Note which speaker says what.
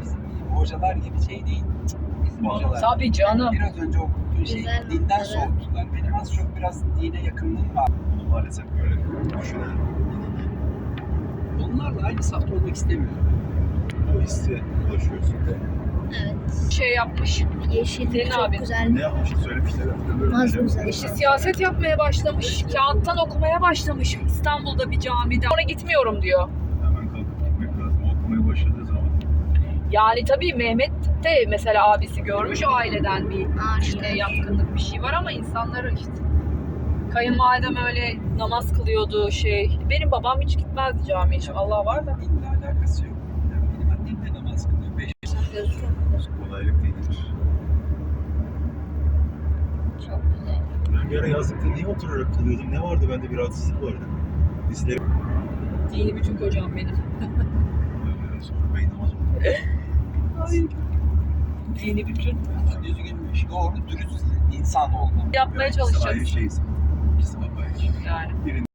Speaker 1: bizim hocalar gibi şey değil. Bizim hocalar.
Speaker 2: Tabii canım.
Speaker 1: Biraz önce okuduğun şey
Speaker 3: Güzel
Speaker 1: dinden
Speaker 3: noktaları.
Speaker 1: soğuttular. Benim az çok biraz dine yakınlığım var.
Speaker 4: Bunu maalesef böyle düşünen,
Speaker 1: Onlarla aynı safta olmak istemiyorum.
Speaker 4: o hissi ulaşıyorsun.
Speaker 3: Evet.
Speaker 2: Şey yapmış.
Speaker 3: Yeşil
Speaker 2: Senin
Speaker 3: çok
Speaker 2: abi.
Speaker 3: güzel.
Speaker 4: Ne yapmıştı söylemişler.
Speaker 3: Az güzel.
Speaker 2: İşte siyaset yapmaya başlamış. Kağıttan okumaya başlamış İstanbul'da bir camide. Sonra gitmiyorum diyor.
Speaker 4: Hemen kalkıp gitmek lazım. Okumaya başladığı zaman.
Speaker 2: Yani tabii Mehmet de mesela abisi görmüş aileden bir
Speaker 3: Ağaçlar.
Speaker 2: yatkınlık bir şey var ama insanları işte. Kayınvalidem öyle namaz kılıyordu şey. Benim babam hiç gitmezdi camiye. Şu Allah var da.
Speaker 1: Dinle alakası yok. Yani benim annem de namaz kılıyor. 5
Speaker 4: Kolaylık değildir.
Speaker 3: Çok güzel.
Speaker 4: Ben bir ara yazlıkta niye oturarak kalıyordum? Ne vardı bende, bir rahatsızlık vardı. Dizlerim.
Speaker 2: Dini bütün kocam benim.
Speaker 4: Sonra bey namaz oldu.
Speaker 2: Dini bütün.
Speaker 1: düzgün, doğru, dürüst insan olma.
Speaker 2: Yapmaya
Speaker 4: İkisi ayrı
Speaker 2: çalışacağız.
Speaker 4: şeyiz. İkisi apayrı şey.
Speaker 2: Yani.
Speaker 4: Birinin